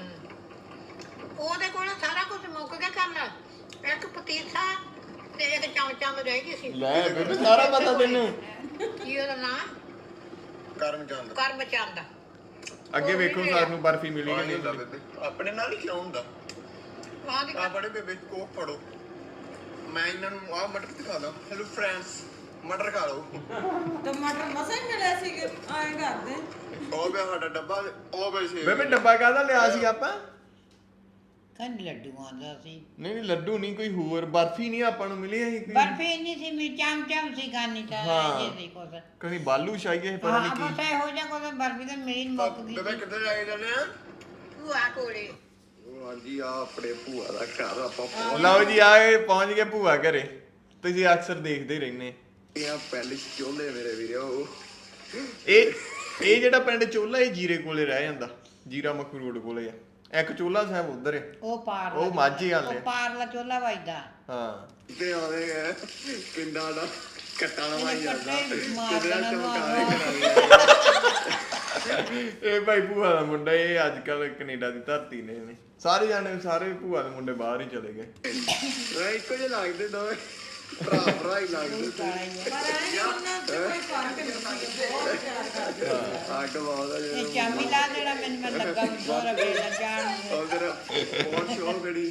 Speaker 2: ਉਹਦੇ ਕੋਲ ਸਾਰਾ ਕੁਝ ਮੁੱਕ ਗਿਆ ਕੱਲ। ਇੱਕ ਪਤੀਸਾ ਤੇ ਇੱਕ ਚਮਚਾ में ਰਹਿ ਗਈ ਸੀ।
Speaker 1: ਲੈ ਬੇਬੇ ਸਾਰਾ ਪਤਾ ਤੈਨੂੰ।
Speaker 2: ਕੀ ਉਹਦਾ ਨਾਂ?
Speaker 4: ਕਰਮਚੰਦ।
Speaker 2: ਕਰਮਚੰਦ।
Speaker 1: ਅੱਗੇ ਵੇਖੋ ਸਾਨੂੰ ਬਰਫੀ ਮਿਲੀ ਕਿ ਨਹੀਂ
Speaker 4: ਹੁੰਦਾ
Speaker 1: ਮਿਲੀ।
Speaker 4: ਬੇਬੇ ਆਪਣੇ ਨਾਲ ਹੀ ਕਿਉਂ ਹੁੰਦਾ ਆ ਬੜੇ ਬੇਬੇ ਕੋਕ ਫੜੋ ਮੈਂ ਇਹਨਾਂ ਨੂੰ ਆਹ ਮਟਰ ਦਿਖਾ ਦਾਂ ਹੈਲੋ ਫਰੈਂਡਸ ਮਟਰ ਖਾ ਲਓ
Speaker 3: ਟਮਾਟਰ ਮਸਾਂ ਹੀ ਮਿਲਿਆ ਸੀ ਆਏ ਕਰਦੇ
Speaker 4: ਉਹ ਵੀ ਸਾਡਾ ਡੱਬਾ ਉਹ ਵੀ ਸੀ
Speaker 1: ਬੇਬੇ ਡੱਬਾ ਕਾਹਦਾ ਲਿਆ ਸੀ ਆਪਾਂ?
Speaker 2: ਕੰਨ ਲੱਡੂ ਆਉਂਦਾ ਸੀ
Speaker 1: ਨਹੀਂ ਲੱਡੂ ਨਹੀਂ, ਕੋਈ ਹੋਰ ਬਰਫੀ ਨਹੀਂ ਆਪਾਂ ਨੂੰ ਮਿਲੀ ਸੀ ਕੋਈ।
Speaker 2: ਬਰਫੀ ਨਹੀਂ ਸੀ ਮੇਰੀ ਚਮ ਸੀ ਖਾਣੀ ਤਾਂ
Speaker 1: ਹਾਂ।
Speaker 2: ਇਹ ਸੀ ਕੁਛ
Speaker 1: ਕਦੀ ਬਾਲੂ ਸ਼ਾਹੀ ਹੈ ਪਤਾ ਨਹੀਂ
Speaker 2: ਹਾਂ
Speaker 1: ਕੀ।
Speaker 2: ਬਸ ਇਹੋ ਜਿਹਾ ਕੋਈ ਬਰਫੀ ਤਾਂ ਮੇਰੀ ਨੀ ਮੁੱਕ ਗਈ
Speaker 4: ਬੇਬੇ ਕਿੱਥੇ ਜਾ ਕੇ ਜਾਂਦੇ ਆ
Speaker 2: ਭੂਆ ਕੋਲੇ
Speaker 4: ਉਹ ਹਾਂਜੀ ਆ ਆਪਣੇ ਭੂਆ ਦਾ ਘਰ ਆਪਾਂ ਪਹੁੰਚ
Speaker 1: ਲਓ ਜੀ ਆਏ ਪਹੁੰਚ ਗਏ ਭੂਆ ਘਰੇ। ਤੁਸੀਂ ਅਕਸਰ ਦੇਖਦੇ ਹੀ ਰਹਿੰਦੇ।
Speaker 4: ਗਏ ਆ ਪਿੰਡ ਚੋਲੇ ਮੇਰੇ ਵੀਰੋ
Speaker 1: ਇਹ ਜਿਹੜਾ ਪਿੰਡ ਚੋਲਾ ਇਹ ਜੀਰੇ ਕੋਲੇ ਰਹਿ ਜਾਂਦਾ, ਜੀਰਾ ਮੱਖੂ ਰੋਡ ਕੋਲੇ ਆ। ਇੱਕ ਚੋਲਾ ਸਾਹਿਬ ਉਧਰ ਹੈ,
Speaker 2: ਉਹ ਪਾਰ
Speaker 1: ਉਹ ਮਾਝੇ ਵਾਲੇ।
Speaker 2: ਉਹ ਪਾਰਲਾ ਚੋਲਾ ਵੱਜਦਾ
Speaker 1: ਹਾਂ
Speaker 4: ਤੇ ਆਵੇ ਗਏ ਪਿੰਡਾਂ ਦਾ ਕੱਟਾ ਲਵਾਈ ਜਾਂਦਾ
Speaker 2: ਕੱਟੇ ਮਾਰ
Speaker 4: ਕਿਹੜਾ
Speaker 2: ਦੇਣਾ
Speaker 4: ਚਮਕਾਰੇ
Speaker 2: ਮਾਰ।
Speaker 1: ਇਹ ਭਾਈ ਭੂਆ ਦਾ ਮੁੰਡਾ, ਇਹ ਅੱਜ ਕੱਲ ਕੈਨੇਡਾ ਦੀ ਧਰਤੀ ਨੇ ਇਹਨੇ। ਸਾਰੇ ਜਾਣੇ ਸਾਰੇ ਭੂਆ ਦੇ ਮੁੰਡੇ ਬਾਹਰ ਹੀ ਚਲੇ ਗਏ।
Speaker 4: ਵੇ ਇੱਕੋ ਜਿਹੇ ਲੱਗਦੇ ਦੋਵੇਂ ਭਰਾ ਹੀ ਲੱਗਦੇ
Speaker 3: ਪਰ ਐ ਉਹਨਾਂ ਚ ਕੋਈ ਫਰਕ ਨਹੀਂ ਸੀ ਬਹੁਤ ਪਿਆਰ ਕਰਦੇ
Speaker 4: ਅੱਗ ਵਾਦਾ
Speaker 2: ਇਹ ਚਾਮੀ ਲਾ ਦੇਣਾ ਮੈਨੂੰ ਲੱਗਾ ਬੋਰ ਵੇਲਾ ਜਾਣ ਨੂੰ।
Speaker 4: ਉਧਰ ਬਹੁਤ ਸ਼ੋਰ ਗੜੀ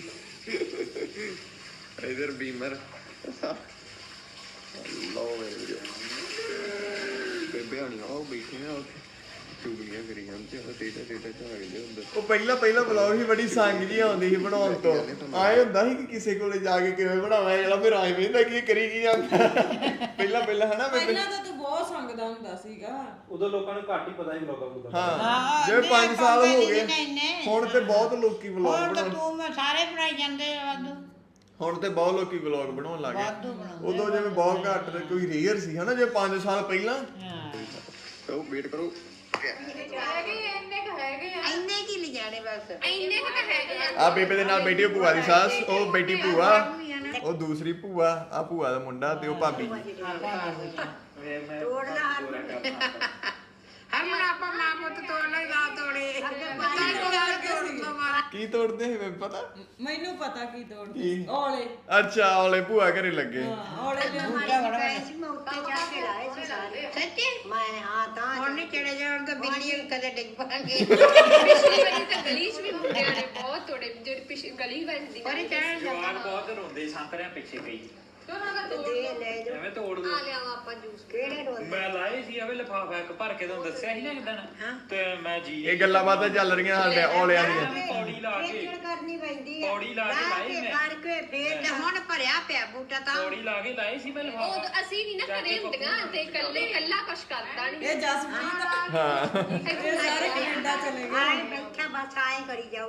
Speaker 4: ਇਧਰ ਬੀਮਰ ਲੋ ਮੇਰੇ ਵੀਰੋ ਬੇਬੇ ਹਣੀ ਉਹ ਬੈਠੇ ਆ ਉੱਥੇ ਚੁਗਲੀਆਂ ਕਰੀ ਜਾਂਦੇ ਆ ਟੇਟਾ ਝਾੜਦੇ ਹੁੰਦੇ
Speaker 1: ਉਹ ਪਹਿਲਾ ਵਲੌਗ ਹੀ ਬੜੀ ਸੰਗ ਜੀ ਆਉਂਦੀ ਸੀ ਬਣਾਉਣ ਤੋਂ। ਆਏ ਹੁੰਦਾ ਸੀ ਕਿ ਕਿਸੇ ਕੋਲੇ ਜਾ ਕੇ ਕਿਵੇਂ ਬਣਾਵਾਂ, ਜਿਹੜਾ ਫਿਰ ਆਏ ਵੇਂਦਾ ਕੀ ਕਰੀ ਕੀ ਜਾਂਦਾ। ਪਹਿਲਾਂ ਹਨਾ ਬੇਬੇ।
Speaker 3: ਪਹਿਲਾਂ ਤਾਂ ਤੂੰ ਬਹੁਤ ਸੰਗਦਾ ਹੁੰਦਾ ਸੀਗਾ
Speaker 5: ਉਦੋਂ ਲੋਕਾਂ ਨੂੰ ਘੱਟ ਹੀ ਪਤਾ ਸੀ ਵਲੋਗਾਂ ਦਾ।
Speaker 1: ਹਾਂ
Speaker 2: ਹਾਂ,
Speaker 1: ਜਿਵੇਂ 5 ਸਾਲ ਹੋ ਗਏ
Speaker 2: ਇੰਨੇ।
Speaker 1: ਹੁਣ ਤੇ ਬਹੁਤ ਲੋਕੀ ਵਲੌਗ
Speaker 2: ਹੁਣ ਤਾਂ
Speaker 1: ਬਣਾਉਣ,
Speaker 2: ਤੂੰ ਮੈਂ ਸਾਰੇ ਬਣਾਈ ਜਾਂਦੇ ਆ ਵਾਧੂ
Speaker 1: ਹੁਣ ਤੇ ਬਹੁਤ ਲੋਕੀ ਵਲੌਗ ਬਣਾਉਣ ਲੱਗ
Speaker 2: ਵਾਧੂ
Speaker 1: ਗਏ।
Speaker 2: ਬਣਾਉਂਦੇ
Speaker 1: ਉਦੋਂ ਜਿਵੇਂ ਬਹੁਤ ਘੱਟ ਤੇ ਕੋਈ ਰੇਅਰ ਸੀ ਹਨਾ, ਜੇ 5 ਸਾਲ ਪਹਿਲਾਂ।
Speaker 2: ਹਾਂ
Speaker 4: ਉਹ ਵੇਟ ਕਰੋ
Speaker 2: ਇੰਨੇ ਕੀ ਲਿਜਾਣੇ ਬਸ
Speaker 1: ਆ ਬੇਬੇ ਦੇ ਨਾਲ ਬੈਠੀ ਭੂਆ ਦੀ ਸੱਸ, ਉਹ ਬੈਠੀ ਭੂਆ, ਉਹ ਦੂਸਰੀ ਭੂਆ, ਆ ਭੂਆ ਦਾ ਮੁੰਡਾ ਤੇ ਉਹ ਭਾਬੀ ਜੀ।
Speaker 2: ਹਰ ਮਨ ਆਪਾਂ ਮਾਂ ਪੁੱਤ ਤੋੜ ਲੈ ਗਾ ਤੋੜੇ
Speaker 1: ਕੀ ਤੋੜਦੇ ਸੀ ਮੈਨੂੰ ਪਤਾ।
Speaker 3: ਮੈਨੂੰ ਪਤਾ ਕੀ ਤੋੜਦੇ
Speaker 1: ਕੀ?
Speaker 3: ਔਲੇ
Speaker 1: ਅੱਛਾ ਔਲੇ ਭੂਆ ਘਰੇ ਲੱਗੇ।
Speaker 3: ਔਲੇ ਦੇ
Speaker 2: ਸੱਚੀ ਮੈਂ ਹਾਂ ਤਾਂ ਹੁਣ ਨਹੀਂ ਚੜੇ ਜਾਣ ਤਾਂ ਬਿੱਲੀ ਕਦੇ ਡਿੱਗ ਪਾਂਗੇ
Speaker 6: ਪਿਛਲੀ ਵਾਰੀ ਤਾਂ ਗਲੀ 'ਚ ਵੀ ਮੁੰਡਿਆਂ ਨੇ ਬਹੁਤ ਤੋੜੇ ਜਿਹੜੀ ਪਿਛਲੀ ਗਲੀ ਵੱਜਦੀ
Speaker 2: ਪਰ ਚੜਨ
Speaker 5: ਜਵਾਨ ਬਹੁਤ ਰੋਂਦੇ ਸੰਤਰਿਆਂ ਪਿੱਛੇ ਪਈ
Speaker 6: ਤੇ ਉਹਨਾਂ ਦਾ ਤੋੜ
Speaker 5: ਐਵੇਂ ਤੋੜ ਦੋ
Speaker 6: ਆ ਲਿਆਵਾ ਆਪਾਂ ਜੂਸ
Speaker 5: ਮੈਂ ਲਾਏ ਸੀ ਆਵੇ ਲਫਾਫਾ ਇੱਕ ਭਰ ਕੇ ਤੁਹਾਨੂੰ ਦੱਸਿਆ ਸੀ ਨਾ ਕਿਦਾਂ ਤੇ ਮੈਂ ਜੀ
Speaker 1: ਇਹ ਗੱਲਾਂ ਬਾਤਾਂ ਚੱਲ ਰਹੀਆਂ ਸਾਡੇ ਔਲਿਆਂ ਦੀਆਂ।
Speaker 5: ਪੌੜੀ ਲਾ ਕੇ
Speaker 2: ਕਰਨੀ ਪੈਂਦੀ
Speaker 5: ਪੌੜੀ ਲਾ ਕੇ ਲਾਏ ਮੈਂ
Speaker 2: ਕਰਕੇ ਫੇਰ ਤੇ ਹੁਣ ਭਰਿਆ ਪਿਆ ਬੂਟਾ ਤਾਂ
Speaker 5: ਪੌੜੀ ਲਾ ਕੇ ਲਾਏ ਸੀ ਮੈਂ
Speaker 6: ਉਹ
Speaker 5: ਲਫਾਫਾ।
Speaker 6: ਅਸੀਂ ਨਹੀਂ ਨਾ ਕਰੇ ਹੁੰਦੀਆਂ ਤੇ ਕੱਲਾ ਕੁਛ ਕਰਦਾ ਨਹੀਂ
Speaker 3: ਇਹ ਜਸਪ੍ਰੀਤ
Speaker 1: ਹਾਂ
Speaker 3: ਇਹ ਸਾਰੇ ਕੈਨੇਡਾ ਚਲੇ ਗਏ
Speaker 2: ਆਏ ਬੈਠਾ ਬਸ ਆਏ ਕਰੀ ਜਾਓ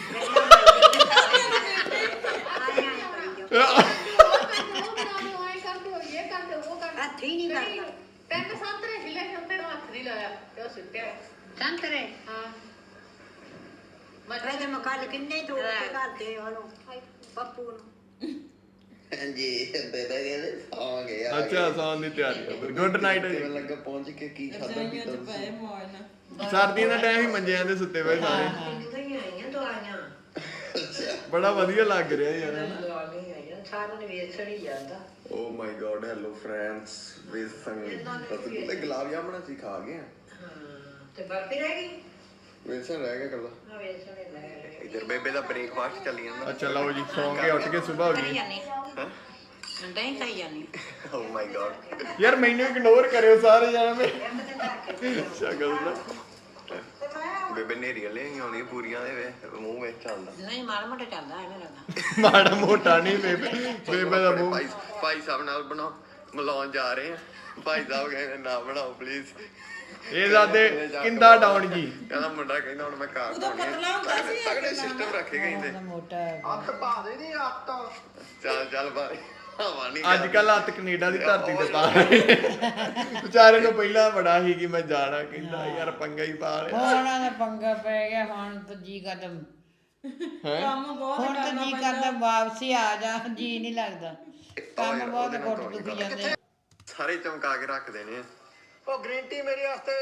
Speaker 2: ਹੱਥੀ ਨਹੀਂ ਕਰਦਾ
Speaker 6: ਤੈਨੂੰ ਸੰਤਰੇ ਹਿਲੇ ਸੰਤਰੇ ਨੂੰ ਹੱਥ ਨਹੀਂ ਲਾਇਆ ਤੇ ਉਹ ਸੁੱਟਿਆ
Speaker 2: ਸੰਤਰੇ
Speaker 6: ਹਾਂ
Speaker 2: ਮੈਂ ਤੇ ਮਕਾਲ ਕਿੰਨੇ ਤੋੜ ਕੇ ਕਰਦੇ ਉਹਨੂੰ ਪੱਪੂ ਨੂੰ
Speaker 4: ਹਾਂਜੀ ਬੇਬੇ ਕਹਿੰਦੇ ਆ ਗਏ
Speaker 1: ਅੱਛਾ ਸੌਣ ਦੀ ਤਿਆਰੀ ਹੈ। ਗੁੱਡ ਨਾਈਟ ਜੀ।
Speaker 4: ਮੈਨੂੰ ਲੱਗਾ ਪਹੁੰਚ ਕੇ ਕੀ ਖਾਦਾ
Speaker 3: ਰਜਾਈਆਂ
Speaker 4: ਪੀਤਾ
Speaker 3: ਚ ਪਏ ਮੌਜ ਨਾਲ
Speaker 1: ਸਰਦੀਆਂ ਦਾ ਟਾਈਮ ਹੀ ਮੰਜਿਆਂ ਤੇ ਸੁੱਤੇ ਪਏ ਸਾਰੇ।
Speaker 2: ਆਈਆਂ ਦਵਾਈਆਂ
Speaker 1: ਬੜਾ ਵਧੀਆ ਲੱਗ ਰਿਹਾ ਯਾਰ ਹਨਾ।
Speaker 2: ਦਵਾਈਆਂ ਆਈਆਂ ਸਾਰਿਆਂ ਨੇ ਵੇਚਣ ਹੀ ਜਾਂਦਾ
Speaker 4: oh my god hello friends with Sang ਤੇ ਗੁਲਾਬ ਜਾਮਣਾ ਸੀ ਖਾ ਗਏ
Speaker 2: ਤੇ ਬਰਫੀ ਰਹਿ ਗਈ
Speaker 4: ਵੇਸਣ ਰਹਿ ਗਿਆ ਕੱਲਾ
Speaker 2: ਨਾ ਵੇਚਣ ਹੀ ਲੈ
Speaker 4: ਇਧਰ ਬੇਬੇ ਦਾ ਬ੍ਰੇਕਫਾਸਟ ਚੱਲੀ ਜਾਂਦਾ
Speaker 1: ਅੱਛਾ ਲਓ ਜੀ ਸੌਂ ਕੇ ਉੱਠ ਕੇ ਸਵੇਰ ਹੋ ਗਈ।
Speaker 2: ਨਹੀਂ ਖਾਈ ਜਾਨੀ
Speaker 4: ਓ ਮਾਈ ਗॉड
Speaker 1: ਯਾਰ ਮੈਨੂੰ ਇਗਨੋਰ ਕਰਿਓ ਸਾਰੇ ਜਾਣੇ। ਸ਼ਕਲ ਦਾ
Speaker 4: ਬੇਬੇ ਨੇਰੀਆਂ ਲੈ ਆਉਣੀ ਪੂਰੀਆਂ ਦੇ ਵੇ ਮੂੰਹ ਵਿੱਚ ਆਉਂਦਾ
Speaker 2: ਨਹੀਂ ਮਾੜਾ ਮੋਟਾ ਚੱਲਦਾ ਐਵੇਂ ਲੱਗਦਾ
Speaker 1: ਮਾੜਾ ਮੋਟਾ ਨਹੀਂ ਬੇਬੇ ਦਾ ਮੂੰਹ।
Speaker 4: ਭਾਈ ਸਾਹਿਬ ਨਾਲ ਬਣਾਓ ਮਿਲਾਉਣ ਜਾ ਰਹੇ ਆ ਭਾਈ ਸਾਹਿਬ ਕਹਿੰਦੇ ਨਾ ਬਣਾਓ ਪਲੀਜ਼
Speaker 1: ਇਹ ਜ਼ਾਦੇ ਕਿੰਦਾ ਡਾਉਣ ਜੀ।
Speaker 4: ਕਹਿੰਦਾ ਮੁੰਡਾ ਕਹਿੰਦਾ ਹੁਣ ਮੈਂ ਕਾਰ
Speaker 3: ਉਦੋਂ ਪਤਲਾ ਹੁੰਦਾ ਸੀ ਇਹ
Speaker 4: ਤਗੜੇ ਸਿਸਟਮ ਰੱਖੇ ਕਹਿੰਦੇ
Speaker 2: ਮੋਟਾ
Speaker 4: ਅੱਤ ਪਾ ਦੇ ਦੀ ਅੱਤ ਚੱਲ ਬਾਈ ਹਵਾ ਨਹੀਂ
Speaker 1: ਅੱਜ ਕੱਲ ਹੱਥ ਕੈਨੇਡਾ ਦੀ ਧਰਤੀ ਤੇ ਪਾ ਰਹੇ। ਵਿਚਾਰੇ ਨੂੰ ਪਹਿਲਾਂ ਬੜਾ ਸੀ ਕਿ ਮੈਂ ਜਾਣਾ, ਕਹਿੰਦਾ ਯਾਰ ਪੰਗਾ ਹੀ ਪਾ ਲਿਆ।
Speaker 2: ਹੁਣ ਦਾ ਪੰਗਾ ਪੈ ਗਿਆ ਹੁਣ ਤਾਂ ਜੀ ਕਦਮ
Speaker 3: ਕੰਮ ਬਹੁਤ
Speaker 2: ਹੁਣ ਤਾਂ
Speaker 3: ਕਰਨਾ
Speaker 2: ਜੀ
Speaker 3: ਪੈਂਦਾ
Speaker 2: ਕਰਦਾ ਵਾਪਸੀ ਆ ਜਾ ਜੀ ਨਹੀਂ ਲੱਗਦਾ ਕੰਮ ਬਹੁਤ ਘੁੱਟ ਦੁਖੀ ਜਾਂਦੇ
Speaker 4: ਸਾਰੇ ਚਮਕਾ ਕੇ ਰੱਖਦੇ ਨੇ ਉਹ ਗ੍ਰੀਨ ਟੀ ਮੇਰੇ ਵਾਸਤੇ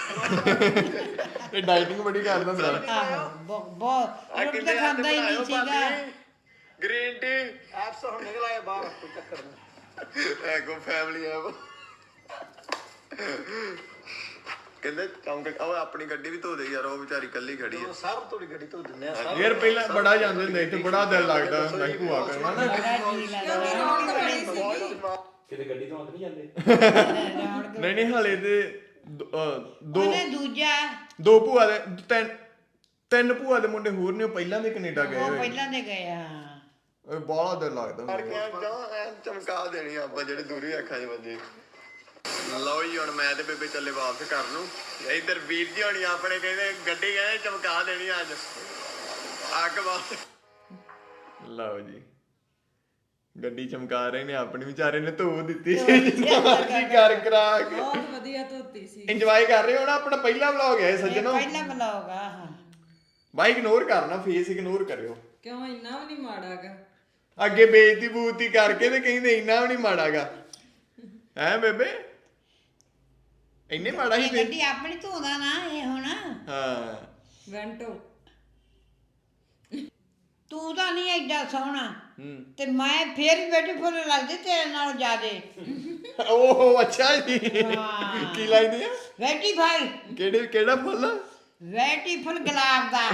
Speaker 1: ਇਹ ਡਾਈਟਿੰਗ ਬੜੀ ਕਰਦਾ ਹੁੰਦਾ।
Speaker 2: ਆਹੋ ਬਹੁਤ ਰੋਟੀ ਤਾਂ ਖਾਂਦਾ ਹੀ ਨਹੀਂ ਸੀਗਾ
Speaker 4: ਗ੍ਰੀਨ ਟੀ ਐਪਸ ਹੁਣ ਨਿਕਲ ਆਏ ਬਾਹਰ ਕੋਈ ਚੱਕਰ ਨਹੀਂ ਐਗੋ ਫੈਮਿਲੀ ਐਪ ਕਹਿੰਦੇ ਚੌਂਕ ਉਹ ਆਪਣੀ ਗੱਡੀ ਵੀ ਧੋ ਦੇ ਯਾਰ, ਉਹ ਵਿਚਾਰੀ ਕੱਲੀ ਖੜੀ ਆ।
Speaker 7: ਸਭ ਤੁਹਾਡੀ ਗੱਡੀ ਧੋ ਦਿੰਦੇ ਆ
Speaker 1: ਯਾਰ ਪਹਿਲਾਂ ਬੜਾ ਜਾਂਦੇ ਹੁੰਦੇ ਇੱਥੇ, ਬੜਾ ਦਿਲ ਲੱਗਦਾ ਹੁੰਦਾ ਸੀ ਭੂਆ ਕਰਨਾ ਨਾ।
Speaker 3: ਕਿਉਂਕਿ ਰੌਣਕ ਬੜੀ ਸੀਗੀ।
Speaker 7: ਕਿਤੇ ਗੱਡੀ ਧੋਣ ਨਹੀਂ ਜਾਂਦੇ।
Speaker 1: ਨਹੀਂ ਨਹੀਂ ਹਾਲੇ ਤੇ ਦੋ
Speaker 2: ਉਹਨੇ ਦੂਜਾ
Speaker 1: ਦੋ ਭੂਆ ਦੇ ਤਿੰਨ ਭੂਆ ਦੇ ਮੁੰਡੇ ਹੋਰ ਨੇ, ਉਹ ਪਹਿਲਾਂ ਦੇ ਕੈਨੇਡਾ ਗਏ
Speaker 2: ਉਹ
Speaker 1: ਹੋਏ।
Speaker 2: ਪਹਿਲਾਂ ਦੇ ਗਏ ਹਾਂ।
Speaker 1: ਬਾਹਲਾ ਦਿਲ ਲੱਗਦਾ ਹੁੰਦਾ।
Speaker 4: ਐ ਚਮਕਾ ਦੇਣੀ ਆਪਾਂ ਜਿਹੜੇ ਦੂਰੀ ਅੱਖਾਂ 'ਚ ਵੱਜੇ। ਲਓ ਜੀ ਹੁਣ ਮੈਂ ਤੇ ਬੇਬੇ ਚੱਲੇ ਵਾਪਸ ਘਰ ਨੂੰ। ਇੱਧਰ ਵੀਰ ਜੀ ਹੋਣੀ ਆਪਣੇ ਕਹਿੰਦੇ ਗੱਡੀ ਕਹਿੰਦੇ ਚਮਕਾ ਦੇਣੀ ਅੱਜ, ਅੱਗ ਬਾਤ।
Speaker 1: ਲਓ ਜੀ ਗੱਡੀ ਚਮਕਾ ਰਹੇ ਨੇ, ਆਪਣੀ ਵਿਚਾਰੇ ਨੇ ਧੋ ਦਿੱਤੀ ਜਿੰਨਾ ਮਰਜ਼ੀ ਕਰ ਕਰਾ ਕੇ।
Speaker 3: ਬਹੁਤ ਵਧੀਆ ਧੋਤੀ ਸੀ।
Speaker 1: ਇੰਜੋਏ ਕਰ ਰਹੇ ਹੋ ਨਾ, ਆਪਣਾ ਪਹਿਲਾ ਵਲੌਗ ਹੈ ਸੱਜਣੋ।
Speaker 2: ਪਹਿਲਾਂ ਬਲੌਗ ਆ ਹਾਂ।
Speaker 1: ਬਾਈ ਇਗਨੋਰ ਕਰਨਾ, ਫੇਸ ਇਗਨੋਰ ਕਰਿਓ।
Speaker 3: ਕਿਉਂ ਇੰਨਾ ਵੀ ਨਹੀਂ ਮਾੜਾਗਾ।
Speaker 1: ਅੱਗੇ ਬੇਇੱਜ਼ਤੀ ਬੂਤੀ ਕਰਕੇ ਤੇ ਕਹਿੰਦੇ ਇੰਨਾ ਵੀ ਨਹੀਂ ਮਾੜਾਗਾ। ਹੈ ਬੇਬੇ ਇੰਨੇ ਮਾੜਾ ਹੀ
Speaker 2: ਇਹ ਗੱਡੀ ਆਪਣੀ ਧੋਦਾ ਨਾ ਇਹ ਹੁਣ।
Speaker 1: ਹਾਂ
Speaker 3: ਵੈਂਟੋ
Speaker 2: ਤੂੰ ਤਾਂ ਨਹੀਂ ਐਡਾ ਸੋਹਣਾ ਤੇ ਮੈਂ ਫੇਰ ਵੀ ਬਿਊਟੀਫੁਲ ਲੱਗਦੀ ਤੇਰੇ ਨਾਲ ਜ਼ਿਆਦੇ।
Speaker 1: ਓਹ ਅੱਛਾ ਜੀ।
Speaker 2: ਹਾਂ।
Speaker 1: ਕੀ ਲੱਗਦੀ ਆ?
Speaker 2: ਬਿਊਟੀਫੁਲ
Speaker 1: ਕਿਹੜਾ ਫੁੱਲ?
Speaker 2: ਬਿਊਟੀਫੁਲ ਗੁਲਾਬ ਦਾ।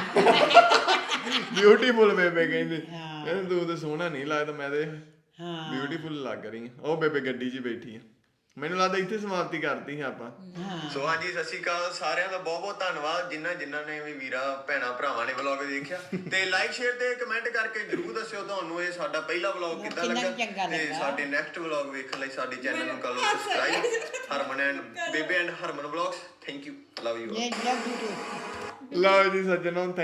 Speaker 1: ਬਿਊਟੀਫੁਲ ਬੇਬੇ ਕਹਿੰਦੇ।
Speaker 2: ਹਾਂ।
Speaker 1: ਕਹਿੰਦੇ ਤੂੰ ਤੇ ਸੋਹਣਾ ਨਹੀਂ ਲੱਗਦਾ, ਮੈਂ ਤੇ
Speaker 2: ਹਾਂ
Speaker 1: ਬਿਊਟੀਫੁਲ ਲੱਗ ਰਹੀ ਆ। ਉਹ ਬੇਬੇ ਗੱਡੀ 'ਚ ਬੈਠੀ ਆ। ਮੈਨੂੰ ਲੱਗਦਾ ਇੱਥੇ ਸਮਾਪਤੀ ਕਰਤੀ ਹੈ ਆਪਾਂ।
Speaker 4: ਸੋ ਹਾਂਜੀ ਸਤਿ ਸ਼੍ਰੀ ਅਕਾਲ ਸਾਰਿਆਂ ਦਾ, ਬਹੁਤ ਬਹੁਤ ਧੰਨਵਾਦ ਜਿਨ੍ਹਾਂ ਨੇ ਵੀ ਵੀਰਾ ਭੈਣਾ ਭਰਾਵਾਂ ਨੇ ਵਲੌਗ ਦੇਖਿਆ। ਤੇ ਲਾਈਕ ਸ਼ੇਅਰ ਤੇ ਕਮੈਂਟ ਕਰਕੇ ਜਰੂਰ ਦੱਸਿਓ ਤੁਹਾਨੂੰ ਇਹ ਸਾਡਾ ਪਹਿਲਾ ਵਲੌਗ ਕਿੱਦਾਂ
Speaker 2: ਕਿੰਨਾ
Speaker 4: ਲੱਗਾ।
Speaker 2: ਚੰਗਾ
Speaker 4: ਤੇ
Speaker 2: ਲੱਗਾ।
Speaker 4: ਸਾਡੇ ਨੈਕਸਟ ਵਲੌਗ ਵੇਖਣ ਲਈ ਸਾਡੇ ਚੈਨਲ ਨੂੰ ਕਰ ਲਓ subscribe. Harman and Bebe and Harman vlogs. Thank you, love you.
Speaker 2: ਇਹ ਲਵ ਯੂ ਟੂ।
Speaker 1: ਲਓ ਜੀ ਸੱਜਣੋ,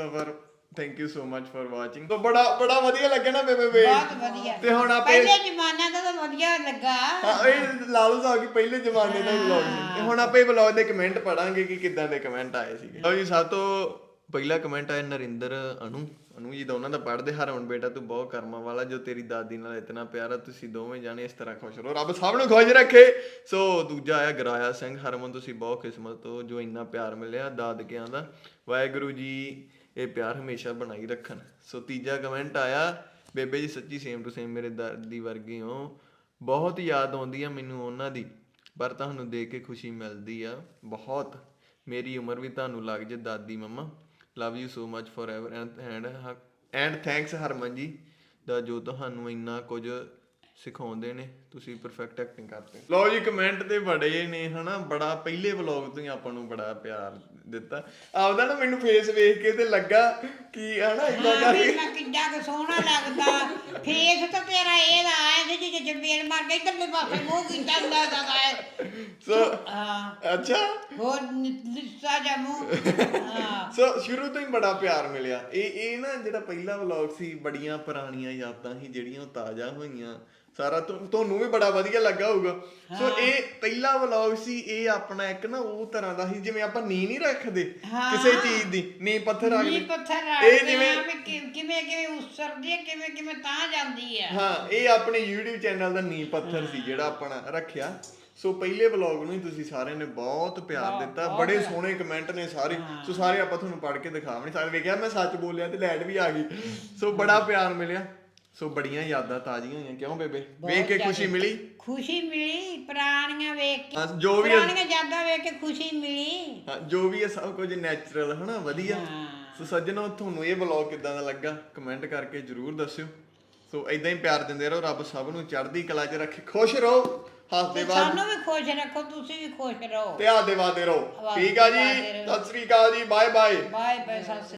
Speaker 1: thank you so much for watching. ਤਾਂ ਬੜਾ ਵਧੀਆ ਲੱਗਿਆ ਨਾ ਬੇਬੇ।
Speaker 2: ਬਹੁਤ ਵਧੀਆ।
Speaker 1: ਤੇ ਹੁਣ ਆਪੇ
Speaker 2: ਪਹਿਲੇ ਜ਼ਮਾਨੇ ਦਾ ਤਾਂ ਵਧੀਆ ਲੱਗਾ।
Speaker 1: ਹਾਂ ਇਹ ਲਾਲੂ ਸਾਹਿਬ ਕੀ ਪਹਿਲੇ ਜ਼ਮਾਨੇ ਦਾ ਵਲੌਗ ਸੀ। ਤੇ ਹੁਣ ਆਪਾਂ ਇਹ ਵਲੌਗ ਦੇ ਕਮੈਂਟ ਪੜਾਂਗੇ ਕਿ ਕਿੱਦਾਂ ਦੇ ਕਮੈਂਟ ਆਏ ਸੀਗੇ। ਲਓ ਜੀ ਸਭ ਤੋਂ ਪਹਿਲਾ ਕਮੈਂਟ ਆਇਆ ਨਰਿੰਦਰ ਅਨੂ ਜੀ ਦਾ, ਉਹਨਾਂ ਦਾ ਪੜ੍ਹਦੇ। ਹਰਮਨ ਬੇਟਾ ਤੂੰ ਬਹੁਤ ਕਰਮਾਂ ਵਾਲਾ, ਜੋ ਤੇਰੀ ਦਾਦੀ ਨਾਲ ਇਤਨਾ ਪਿਆਰਾ, ਤੁਸੀਂ ਦੋਵੇਂ ਜਾਣੇ ਇਸ ਤਰ੍ਹਾਂ ਖੁਸ਼ ਰਹੋ, ਰੱਬ ਸਭ ਨੂੰ ਖੁਸ਼ ਰੱਖੇ। ਸੋ ਦੂਜਾ ਆਇਆ ਗਰਾਇਆ ਸਿੰਘ, ਹਰਮਨ ਤੁਸੀਂ ਬਹੁਤ ਕਿਸਮਤ ਹੋ ਜੋ ਇੰਨਾ ਪਿਆਰ ਮਿਲਿਆ ਦਾਦਕਿਆਂ ਦਾ, ਵਾਹਿਗੁਰੂ ਜੀ ਇਹ ਪਿਆਰ ਹਮੇਸ਼ਾ ਬਣਾਈ ਰੱਖਣ। ਸੋ ਤੀਜਾ ਕਮੈਂਟ ਆਇਆ ਬੇਬੇ ਜੀ ਸੱਚੀ ਸੇਮ ਟੂ ਸੇਮ ਮੇਰੇ ਦਾਦੀ ਵਰਗੇ ਹੋ, ਬਹੁਤ ਯਾਦ ਆਉਂਦੀ ਆ ਮੈਨੂੰ ਉਹਨਾਂ ਦੀ, ਪਰ ਤੁਹਾਨੂੰ ਦੇਖ ਕੇ ਖੁਸ਼ੀ ਮਿਲਦੀ ਆ ਬਹੁਤ, ਮੇਰੀ ਉਮਰ ਵੀ ਤੁਹਾਨੂੰ ਲੱਗ ਜੇ ਦਾਦੀ mumma, love you so much forever and thanks Harman ji ਦਾ ਜੋ ਤੁਹਾਨੂੰ ਇੰਨਾ ਕੁਝ ਸਿਖਾਉਂਦੇ ਨੇ, ਤੁਸੀਂ ਪਰਫੈਕਟ ਐਕਟਿੰਗ ਕਰਦੇ। ਲਓ ਜੀ ਕਮੈਂਟ ਤੇ ਬੜੇ ਨੇ ਹਨਾ, ਬੜਾ ਪਹਿਲੇ ਵਲੌਗ ਤੋਂ ਹੀ ਆਪਾਂ ਨੂੰ ਬੜਾ ਪਿਆਰ ਦਿੱਤਾ ਆਪਦਾ ਨਾ। ਮੈਨੂੰ ਫੇਸ ਵੇਖ ਕੇ ਤੇ ਲੱਗਾ ਕਿ ਹਨਾ ਇਦਾਂ
Speaker 2: ਹਾਂ ਵੀ ਮੈਂ ਕਿੱਡਾ ਕੁ ਸੋਹਣਾ ਲੱਗਦਾ। ਫੇਸ ਤਾਂ ਤੇਰਾ ਇਹਦਾ ਆਇਆ ਸੀ ਜੇ ਜੰਬੀਰ ਮਾਰ ਕੇ ਇੱਧਰਲੇ ਪਾਸੇ ਮੂੰਹ ਕੀਤਾ ਹੁੰਦਾ ਹੈ।
Speaker 1: ਸੋ
Speaker 2: ਹਾਂ
Speaker 1: ਅੱਛਾ
Speaker 2: ਹੋਰ ਲਿੱਸਾ ਜਾ ਮੂੰਹ। ਹਾਂ
Speaker 1: ਸੋ ਸ਼ੁਰੂ ਤੋਂ ਹੀ ਬੜਾ ਪਿਆਰ ਮਿਲਿਆ। ਇਹ ਨਾ ਜਿਹੜਾ ਪਹਿਲਾ ਵਲੌਗ ਸੀ, ਬੜੀਆਂ ਪੁਰਾਣੀਆਂ ਯਾਦਾਂ ਸੀ ਜਿਹੜੀਆਂ ਉਹ ਤਾਜ਼ਾ ਹੋਈਆਂ। ਸਾਰਾ ਤੁਹਾਨੂੰ ਵੀ ਬੜਾ ਵਧੀਆ ਲੱਗਾ ਹੋਊਗਾ। ਸੋ ਇਹ ਪਹਿਲਾ ਵਲੌਗ ਸੀ। ਇਹ ਆਪਣਾ ਇੱਕ ਨਾ ਉਹ ਤਰ੍ਹਾਂ ਦਾ ਸੀ ਜਿਵੇਂ ਆਪਾਂ ਨੀਂਹ ਨਹੀਂ ਰੱਖਦੇ ਕਿਸੇ ਚੀਜ਼ ਦੀ, ਨੀਂਹ ਪੱਥਰ ਰੱਖਦੇ।
Speaker 2: ਨੀਂਹ ਪੱਥਰ
Speaker 1: ਇਹ
Speaker 2: ਰੱਖਦੇ
Speaker 1: ਜਿਵੇਂ
Speaker 2: ਆ ਵੀ ਕਿਵੇਂ ਉਸਰਦੀ ਹੈ, ਕਿਵੇਂ ਤਾਂ ਜਾਂਦੀ ਆ।
Speaker 1: ਹਾਂ ਇਹ ਆਪਣੇ YouTube ਚੈਨਲ ਦਾ ਨੀਂਹ ਪੱਥਰ ਸੀ ਜਿਹੜਾ ਆਪਣਾ ਰੱਖਿਆ। ਸੋ ਪਹਿਲੇ ਵਲੌਗ ਨੂੰ ਹੀ ਤੁਸੀਂ ਸਾਰਿਆਂ ਨੇ ਬਹੁਤ ਪਿਆਰ ਦਿੱਤਾ, ਬੜੇ ਸੋਹਣੇ ਕਮੈਂਟ ਨੇ ਸਾਰੇ। ਸੋ ਸਾਰੇ ਆਪਾਂ ਤੁਹਾਨੂੰ ਪੜ੍ਹ ਕੇ ਦਿਖਾ ਵੀ ਨਹੀਂ ਸਕਦੇ। ਵੇਖਿਆ ਮੈਂ ਸੱਚ ਬੋਲਿਆ ਤੇ ਲਾਈਟ ਵੀ ਆ ਗਈ। ਸੋ ਬੜਾ ਪਿਆਰ ਮਿਲਿਆ। ਸੋ ਬੜੀਆਂ ਯਾਦਾਂ ਤਾਜ਼ੀਆਂ ਹੋਈਆਂ। ਕਿਉਂ ਬੇਬੇ ਵੇਖ ਕੇ ਖੁਸ਼ੀ ਮਿਲੀ?
Speaker 2: ਖੁਸ਼ੀ ਮਿਲੀ ਪੁਰਾਣੀਆਂ ਵੇਖ ਕੇ,
Speaker 1: ਜੋ ਵੀ
Speaker 2: ਪੁਰਾਣੀਆਂ ਯਾਦਾਂ ਵੇਖ ਕੇ ਖੁਸ਼ੀ ਮਿਲੀ।
Speaker 1: ਹਾਂ ਜੋ ਵੀ ਹੈ ਸਭ ਕੁਝ ਨੈਚੁਰਲ ਹਨਾ, ਵਧੀਆ। ਸੋ ਸੱਜਣੋ ਤੁਹਾਨੂੰ ਇਹ ਵਲੌਗ ਕਿੱਦਾਂ ਦਾ ਲੱਗਾ ਕਮੈਂਟ ਕਰਕੇ ਜਰੂਰ ਦੱਸਿਓ। ਸੋ ਇਦਾਂ ਹੀ ਪਿਆਰ ਦਿੰਦੇ ਰਹੋ, ਰੱਬ ਸਭ ਨੂੰ ਚੜ੍ਹਦੀ ਕਲਾ 'ਚ ਰੱਖੇ, ਖੁਸ਼ ਰਹੋ, ਹੱਸਦੇ ਬਾਦ
Speaker 2: ਸਾਨੂੰ ਵੀ ਖੁਸ਼ ਰੱਖੋ, ਤੁਸੀਂ ਵੀ ਖੁਸ਼ ਰਹੋ
Speaker 1: ਤੇ ਹੱਸਦੇ ਵਾਦੇ ਰਹੋ। ਠੀਕ ਆ ਜੀ, ਸਤਿ ਸ੍ਰੀ ਅਕਾਲ ਜੀ, ਬਾਏ ਬਾਏ।
Speaker 2: Bye bye.